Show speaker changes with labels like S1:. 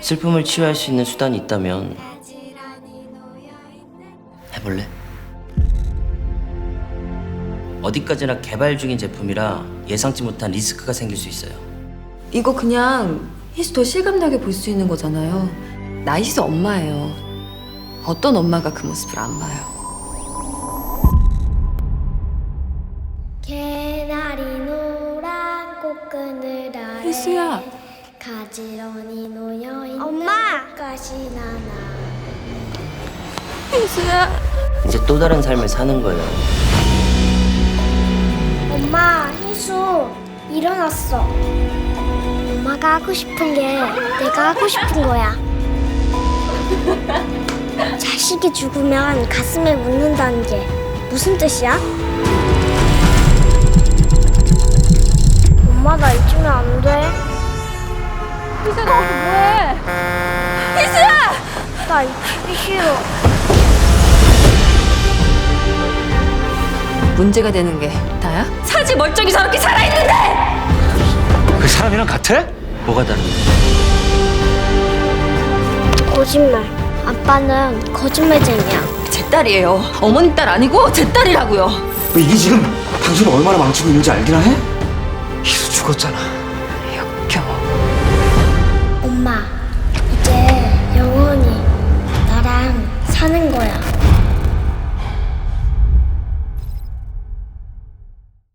S1: 슬픔을 치유할 수 있는 수단이 있다면 해볼래? 어디까지나 개발 중인 제품이라 예상치 못한 리스크가 생길 수 있어요.
S2: 이거 그냥 희수 더 실감나게 볼 수 있는 거잖아요. 나 희수 엄마예요. 어떤 엄마가 그 모습을 안 봐요.
S3: 개나리 노란 꽃그늘 아래
S2: 희수야.
S3: 가지런히 놓여있는 엄마! 가시 나나
S2: 희수야.
S1: 이제 또 다른 삶을 사는 거예요.
S3: 엄마, 희수 일어났어. 엄마가 하고 싶은 게 내가 하고 싶은 거야. 자식이 죽으면 가슴에 묻는다는 게 무슨 뜻이야? 엄마 나 잊으면 안 돼. 희수야 너 뭐해? 희수야! 나 잊히기 싫어.
S2: 문제가 되는 게 다야? 사지 멀쩡히 저렇게 살아있는데!
S4: 그 사람이랑 같아?
S1: 뭐가 다른데?
S3: 거짓말. 아빠는 거짓말쟁이야.
S2: 제 딸이에요. 어머니 딸 아니고 제 딸이라고요.
S4: 이게 지금 당신을 얼마나 망치고 있는지 알기나 해? 희수 죽었잖아.